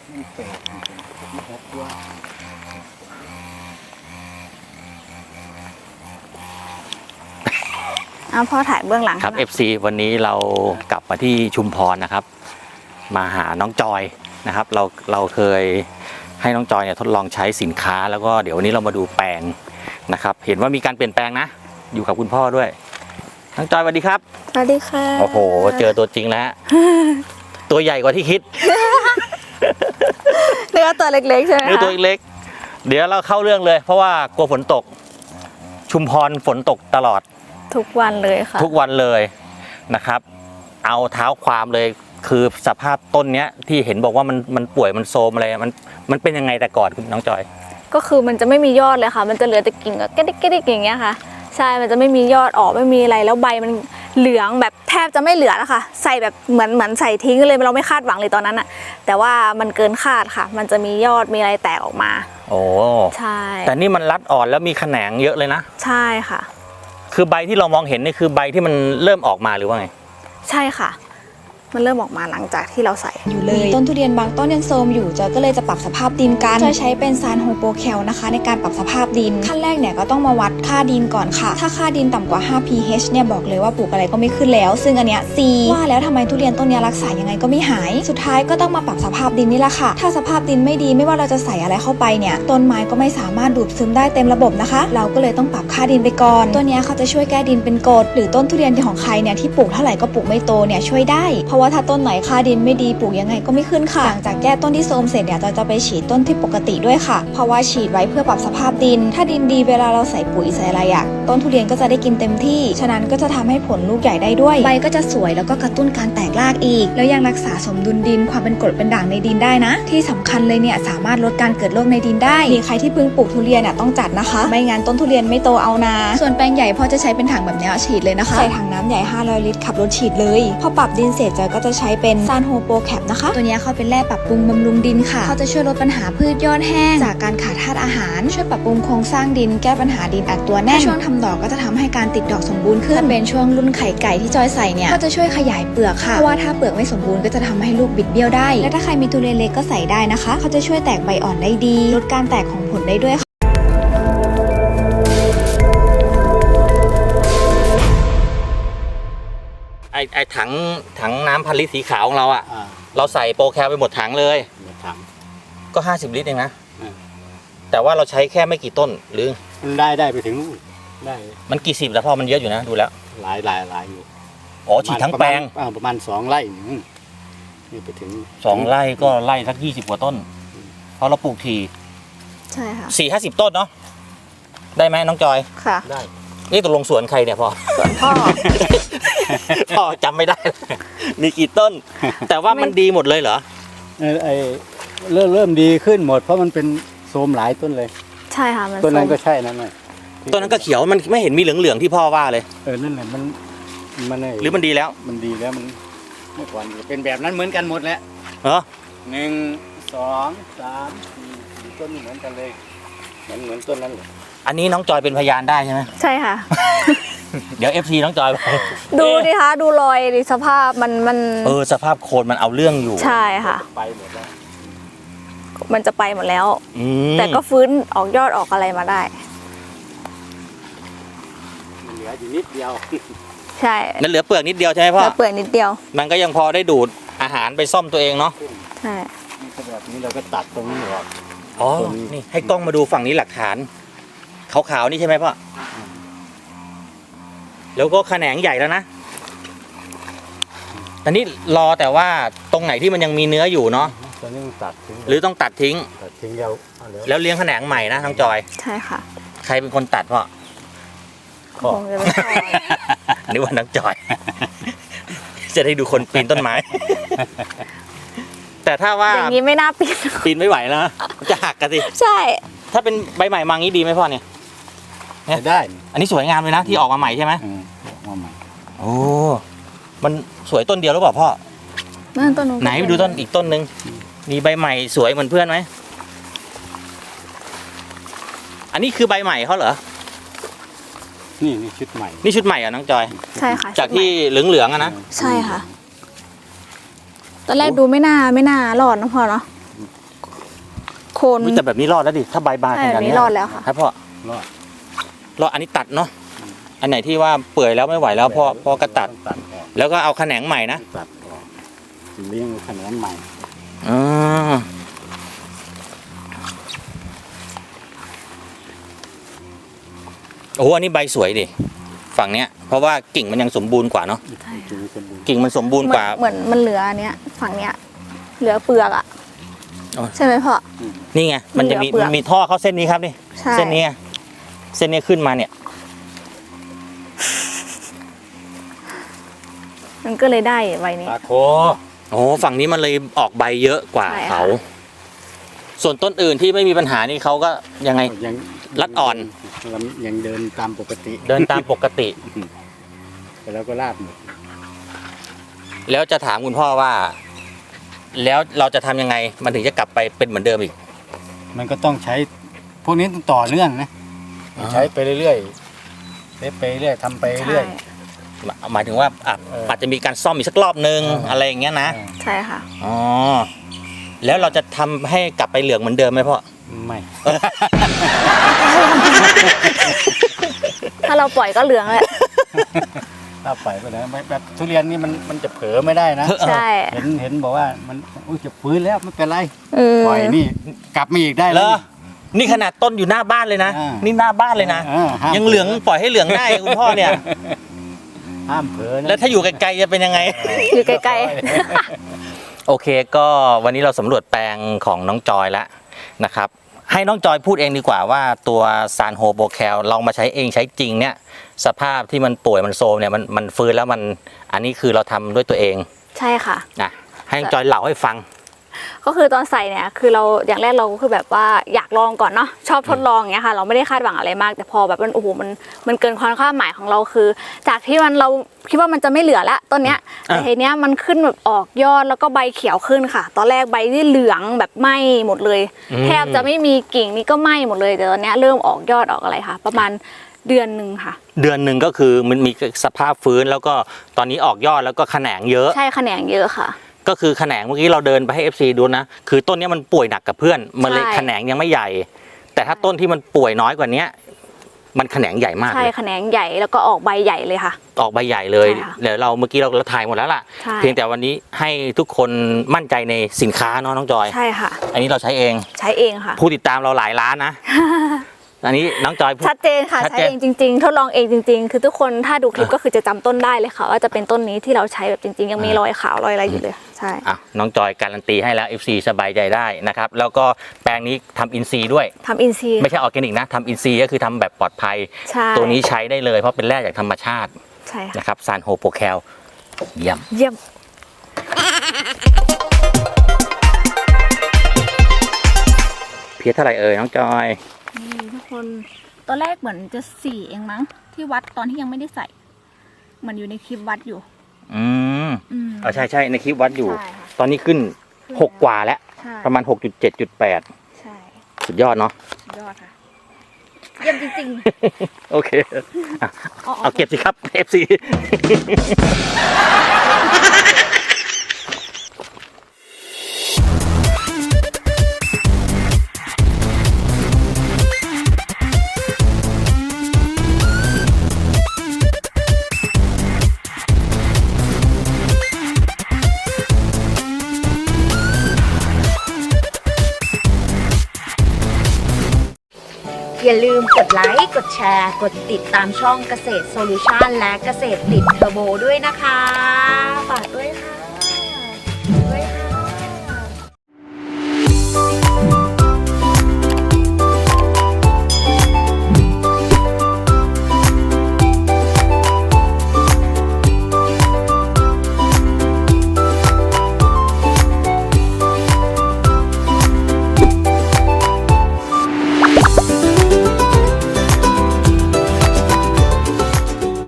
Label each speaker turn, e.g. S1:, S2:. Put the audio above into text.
S1: มันแปลกมันหกตัว
S2: พ่อถ่ายเบื้องหลัง
S3: ครับ FC วันนี้เรากลับมาที่ชุมพรนะครับมาหาน้องจอยนะครับเราเคยให้น้องจอยเนี่ยทดลองใช้สินค้าแล้วก็เดี๋ยววันนี้เรามาดูแปลงนะครับเห็นว่ามีการเปลี่ยนแปลงนะอยู่กับคุณพ่อด้วยน้องจอยสวัสดีครับ
S2: สวัสดีค่ะ
S3: โอ้โหเจอตัวจริงแล้ว ตัวใหญ่กว่าที่คิด
S2: เนื้อตัวเล็กๆใช่ไหมคะ
S3: เนื้อตัวเล็กเดี๋ยวเราเข้าเรื่องเลยเพราะว่ากลัวฝนตกชุมพรฝนตกตลอด
S2: ทุกวันเลยค่ะ
S3: ทุกวันเลยนะครับเอาเท้าความเลยคือสภาพต้นเนี้ยที่เห็นบอกว่ามันป่วยมันโทรมอะไรมันเป็นยังไงแต่ก่อนคุณน้องจอย
S2: ก็คือมันจะไม่มียอดเลยค่ะมันจะเหลือแต่กิ่งก็แก๊กๆอย่างเงี้ยค่ะใช่มันจะไม่มียอดออกไม่มีอะไรแล้วใบมันเหลืองแบบแทบจะไม่เหลือแล้วค่ะใส่แบบเหมือนใส่ทิ้งเลยเราไม่คาดหวังเลยตอนนั้นอะแต่ว่ามันเกินคาดค่ะมันจะมียอดมีอะไรแตกออกมา
S3: โอ้
S2: ใช่
S3: แต่นี่มันรัดอ่อนแล้วมีแขนงเยอะเลยนะ
S2: ใช่ค่ะ
S3: คือใบที่เรามองเห็นนี่คือใบที่มันเริ่มออกมาหรือว่าไง
S2: ใช่ค่ะมันเริ่มออกมาหลังจากที่เราใส่
S4: อยู่เลยต้นทุเรียนบางต้นยังโทรมอยู่จอยก็เลยจะปรับสภาพดินกันจอยใช้เป็นซานโฮโปแคลนะคะในการปรับสภาพดินขั้นแรกเนี่ยก็ต้องมาวัดค่าดินก่อนค่ะถ้าค่าดินต่ำกว่า5 pH เนี่ยบอกเลยว่าปลูกอะไรก็ไม่ขึ้นแล้วซึ่งอันเนี้ย C ว่าแล้วทำไมทุเรียนต้นนี้รักษายังไงก็ไม่หายสุดท้ายก็ต้องมาปรับสภาพดินนี่แหละค่ะถ้าสภาพดินไม่ดีไม่ว่าเราจะใส่อะไรเข้าไปเนี่ยต้นไม้ก็ไม่สามารถดูดซึมได้เต็มระบบนะคะเราก็เลยต้องปรับค่าดินไปก่อนตัวนี้เขาจะช่วยแก้ดินเป็นกรดหรือต้นทุเรียนของใครเนี่ยที่ปลูกเท่าไหร่ก็ปลูกไม่โตเนี่ยช่วยได้เพราะว่าถ้าต้นไหนค่าดินไม่ดีปลูกยังไงก็ไม่ขึ้นค่ะหลังจากแก้ต้นที่โทรมเสร็จเนี่ยเราจะไปฉีดต้นที่ปกติด้วยค่ะเพราะว่าฉีดไว้เพื่อปรับสภาพดินถ้าดินดีเวลาเราใส่ปุ๋ยใส่อะไรอะต้นทุเรียนก็จะได้กินเต็มที่ฉะนั้นก็จะทำให้ผลลูกใหญ่ได้ด้วยใบก็จะสวยแล้วก็กระตุ้นการแตกรากอีกแล้วยังรักษาสมดุลดินความเป็นกรดเป็นด่างในดินได้นะที่สำคัญเลยเนี่ยสามารถลดการเกิดโรคในดินได้มีใครที่เพิ่งปลูกทุเรียนเนี่ยต้องจัดนะคะไม่งั้นต้นทุเรียนไม่โตเอานาส่วนแปลงใหญ่พอจะใช้เป็นถังแบบนี้ฉีดเลยนะคะใส่ถังน้ำใหญ่500 ลิตรขับรถฉีดเลยพอปรับดินเสร็จจอยก็จะใช้เป็นซานโฮโปแคปนะคะตัวนี้เขาเป็นแร่ปรับปรุงบำรุงดินค่ะเขาจะช่วยลดปัญหาพืชยอดแห้งจากการขาดธาตุอาหารช่วยปรับปรุงโครงสร้างดินแก้ปัญหาดินอัดตัวแน่นช่วงทำดอกก็จะทำให้การติดดอกสมบูรณ์ขึ้นเป็นช่วงรุ่นไข่ไก่ที่จอยใส่เนี่ยก็จะช่วยขยายเปลือกค่ะเพราะว่าถ้าเปลือกไม่สมบูรณ์ก็จะทำให้ลูกบิดเบี้ยวได้และถ้าใครมีทุเรียนเล็กก็ใส่ได้นะคะเขาจะช่วยแตกใบอ่อนได้ดีลดการแตกของผลได้ด้วยค่ะ
S3: ไอถังน้ำพันลิตรสีขาวของเราอ่ะเราใส่โปรแคลไปหมดถังเลยก็50 ลิตรเองนะแต่ว่าเราใช้แค่ไม่กี่ต้นหรือ
S1: มันได้ไปถึงนู่นได้
S3: มันกี่สิบแล้วพ่อมันเยอะอยู่นะดูแล้ว
S1: หลายอยู่
S3: อ๋อฉีดทั้งแปลง
S1: ประมาณ2 ไร่นี่ไปถึง
S3: 2 ไร่ก็ไร่สัก20 กว่าต้นเพราะเราปลูกที
S2: ใช่ค่ะ
S3: 40 ต้นเนาะได้ไหมน้องจอย
S2: ค่ะ
S3: ได้นี่ตกลงสวนใครเนี่ยพ่อ
S2: สวนพ่อ
S3: พ่อจำไม่ได้มีกี่ต้นแต่ว่ามันดีหมดเลยเหรอ
S1: เริ่มดีขึ้นหมดเพราะมันเป็นโทรมหลายต้นเลย
S2: ใช่ค่ะมัน
S1: ต้นนั้นก็ใช่นั่นเลย
S3: ต้นนั้นก็เขียวมันไม่เห็นมีเหลืองๆที่พ่อว่าเลย
S1: นั่นแหละมัน
S3: หรือมันดีแล้ว
S1: มันดีแล้วมันเมื่อก่อนเป็นแบบนั้นเหมือนกันหมดแหละ
S3: เหรอ
S1: 1 2 3 4ต้นเหมือนกันเลยเหมือนต้นนั้นเลย
S3: อันนี้น้องจอยเป็นพยานได้ใช่ไหม
S2: ใช่ค่ะ
S3: เดี๋ยว FC น้องจอย
S2: ดูดิคะดูรอยดิสภาพมัน
S3: สภาพโคนมันเอาเรื่องอยู่
S2: ใช่ค่ะ
S1: ไปหมดแล้ว
S2: มันจะไปหมดแล้วแต่ก็ฟื้นออกยอดออกอะไรมาได้
S1: เหลืออยู่นิดเดียว
S2: ใช่
S3: นั่นเหลือเปลือกนิดเดียวใช่ไหมพ่อ
S2: เหลือเปลือกนิดเดียว
S3: มันก็ยังพอได้ดูดอาหารไปซ่อมตัวเองเนาะ
S2: ใช่
S1: แบบนี้เราก็ตัดตรงนี้ออก
S3: อ๋อนี่ให้กล้องมาดูฝั่งนี้หลักฐานขาวๆนี่ใช่ไหมพ่อแล้วก็แขนงใหญ่แล้วนะตอนนี้รอแต่ว่าตรงไหนที่มันยังมีเนื้ออยู่เนาะ
S1: ตอนนี้ตัดทิ้ง
S3: หรือต้องตัดทิ้งแล้วเลี้ยงแขนงใหม่นะน้องจอย
S2: ใช่ค่ะ
S3: ใครเป็นคนตัดพ่อ
S2: คงจะเป็นพ่อ
S3: นึกว่าน้องจอยจะได้ดูคนปีนต้นไม้แต่ถ้าว่า
S2: อย่างนี้ไม่น่า
S3: ปีนไม่ไหวแล้วจะหักกันสิ
S2: ใช่
S3: ถ้าเป็นใบใหม่มางี้ดีไหมพ่อเนี่ย
S1: ได้
S3: อันนี้สวยงามเลยนะที่ออกมาใหม่ใช่ไหม
S1: ออกมาใหม่
S3: โอ้มันสวยต้นเดียวหรือเปล่าพ่อ
S2: ต้น
S3: ไหนไปดูต้นอีกต้นนึงมีใบใหม่สวยเหมือนเพื่อนไหมอันนี้คือใบใหม่เขาเหรอ
S1: นี่ชุดใหม่
S3: นี่ชุดใหม่อ่ะน้องจอย
S2: ใช่ค่ะ
S3: จากที่เหลืองๆอ่ะนะ
S2: ใช่ค่ะตอนแรกดูไม่น่ารอดนะพ่อเนาะน
S3: อุ๊ยแต่แบบนี้รอดแล้วดิถ้าใบบานข
S2: ใช่
S3: นาด
S2: แบบนี้
S3: นี้
S2: รอดแล้วค่ะ
S3: ครับพ่อ
S1: รอด
S3: รอดอันนี้ตัดเนาะอันไหนที่ว่าเปื่อยแล้วไม่ไหวแล้วพ่อก็ตัด
S1: ต้องตัดออก
S3: แล้วก็เอาแขนงใหม่นะ
S1: ตัดออกเลี้ยงขนาดใหม่
S3: อ๋อโอ้โหอันนี้ใบสวยดิฝั่งเนี้ยเพราะว่ากิ่งมันยังสมบูรณ์กว่าเนาะ
S1: จุสมบูรณ์
S3: กิ่งมันสมบูรณ์กว่า
S2: เหมือนมันเหลืออันเนี้ยฝั่งเนี้ยเหลือเปลือกอ่ะ
S3: อ๋อ
S2: ใช่ไหมพ่อ
S3: นี่ไงมันจะมี
S2: เหลือเปลือก
S3: มันมีท่อเข้าเส้นนี้ครับนี่
S2: ใช่
S3: เส้นนี้ไงเส้นนี้ขึ้นมาเนี่ย
S2: มันก็เลยได้ใบนี้
S1: ปลาโค
S3: โอ้ฝั่งนี้มันเลยออกใบเยอะกว่า
S2: ใช่ค่ะ
S3: เขา ส่วนต้นอื่นที่ไม่มีปัญหานี่เขาก็ยังไง
S1: ยัง
S3: รัดอ่อน
S1: ยังเดินตามปกติ
S3: เดินตามปกติ
S1: แต่แล้วก็ลาบหมด
S3: แล้วจะถามคุณพ่อว่า แล้วเราจะทำยังไงมันถึงจะกลับไปเป็นเหมือนเดิมอีก
S1: มันก็ต้องใช้ พวกนี้ต้องต่อเนื่องนะ
S3: อ๋อ
S1: ใช้ไปเรื่อยๆเล่ไปเรื่อยทำไปเรื่อย
S3: หมายถึงว่าอาจจะมีการซ่อมอีกสักรอบนึง อะไรอย่างเงี้ยนะ
S2: ใช่ค่ะ
S3: อ๋อแล้วเราจะทำให้กลับไปเหลืองเหมือนเดิมไหมพ่อ
S1: ไม่
S2: ถ้าเราปล่อยก็เหลืองแหละ
S1: ถ้าไปไปแล้วแบบทุเรียนนี่มันจะเผลอไม่ได้นะ
S2: ใช่
S1: เห็นบอกว่ามันจะฟื้นแล้วไม่เป็นไร
S2: เออ
S1: ปล่อยนี่กลับมาอีกได้
S3: เหร
S1: แล้ว
S3: อ นี่ขนาดต้นอยู่หน้าบ้านเลยนะ
S1: อ่า
S3: นี่หน้าบ้านเลยนะ
S1: ห้าม
S3: ยังเหลืองปล่อยให้เหลืองได้คุณพ่อเนี่ย
S1: ห้ามเผลอนะ
S3: แล้วถ้าอยู่ไกลๆจะเป็นยังไง
S2: อยู่ไกล
S3: โอเคก็วันนี้เราสำรวจแปลงของน้องจอยแล้วนะครับ ให้น้องจอยพูดเองดีกว่าว่าตัวซานโฮโบแคลลองมาใช้เองใช้จริงเนี่ยสภาพที่มันป่วยมันโซมเนี่ยมันฟื้นแล้วมันอันนี้คือเราทำด้วยตัวเอง
S2: ๆ ใช่ค่ะ
S3: นะให้น้องจอยเล่าให้ฟัง
S2: ก็คือตอนใส่เนี่ยคือเราอย่างแรกเราก็คือแบบว่าอยากลองก่อนเนาะชอบทดลองอย่างเงี้ยค่ะ เราไม่ได้คาดหวังอะไรมาก แต่พอแบบมันโอ้โหมันเกินความคาดหมายของเราคือ จากที่เราคิดว่ามันจะไม่เหลือละต้นเนี้ยแต่ทีเนี้ยมันขึ้นแบบออกยอดแล้วก็ใบเขียวขึ้นค่ะ ตอนแรกใบที่เหลืองแบบไหม้หมดเลย แทบจะไม่มีกิ่งนี่ก็ไหม้หมดเลยแต่ตอนเนี้ยเริ่มออกยอดออกอะไรค่ะ ประมาณเดือนหนึ่งค่ะ
S3: เดือนหนึ่งก็คือมันมีสภาพฟื้นแล้วก็ตอนนี้ออกยอดแล้วก็แขนงเยอะ
S2: ใช่แขนงเยอะค่ะ
S3: ก็คือแขนงเมื่อกี้เราเดินไปให้ FC ดูนะคือต้นนี้มันป่วยหนักกับเพื่อนมันเลย
S2: ใช่
S3: แขนงยังไม่ใหญ่ แต่ถ้าต้นที่มันป่วยน้อยกว่านี้มันแขนงใหญ่มาก
S2: ใช่
S3: เลย
S2: แขนงใหญ่แล้วก็ออกใบใหญ่เลยค่ะ
S3: ออกใบใหญ่เลย
S2: ใช่ค่ะ
S3: เดี๋ยวเราเมื่อกี้เราถ่ายหมดแล้วล่ะ
S2: ใช่
S3: เพียงแต่วันนี้ให้ทุกคนมั่นใจในสินค้าเนาะน้องจอย
S2: ใช่ค่ะ
S3: อันนี้เราใช้เอง
S2: ใช้เองค่ะ
S3: ผู้ติดตามเราหลายล้านนะ อันนี้น้องจอยพูด
S2: ชัดเจนค่ะ
S3: ชัด
S2: ใช้
S3: เจน
S2: เองจริงๆทดลองเองจริง ๆ คือทุกคนถ้าดูคลิปก็คือจะจำต้นได้เลยค่ะ ว่าจะเป็นต้นนี้ที่เราใช้แบบจริง ๆ ยังมีรอยขาวรอยอะไรอยู่เลยใช่
S3: อ่ะน้องจอยการันตีให้แล้ว FC สบายใจได้นะครับแล้วก็แปลงนี้ทำอินซีย์ด้วย
S2: ทำอินซีย์
S3: ไม่ใช่ออร์แกนิกนะทำอินซีย์ก็คือทำแบบปลอดภัย
S2: ใช่
S3: ตัวนี้ใช้ได้เลยเพราะเป็นแร่จากธรรมชาติ
S2: ใช่ค่ะ
S3: นะครับซานโฮโปแคลเยี่ยม
S2: เยี่ยม
S3: เพียเท่าไหร่เอ่ยน้องจอย
S2: นี่ทุกคนตอนแรกเหมือนจะ4เองมั้งที่วัดตอนที่ยังไม่ได้ใส่เหมือนอยู่ในคลิปวัดอยู่
S3: อืม
S2: อืม
S3: ใช่ในคลิปวัดอยู่
S2: ใช่ค่ะ
S3: ตอนนี้ขึ้น 6 กว่าแล้ว
S2: ใช่
S3: ประมาณ 6.7.8
S2: ใช่
S3: สุดยอดเนาะ
S2: สุดยอดค่ะเยี่ยมจริง
S3: โอเคอ่ะ
S2: ๆ
S3: เอาเก็บสิครับ FC
S5: อย่าลืมกดไลค์ กดแชร์ กดติดตามช่องเกษตรโซลูชันและเกษตรติดเทอร์โบด้วยนะคะ ฝากด้วยค่ะ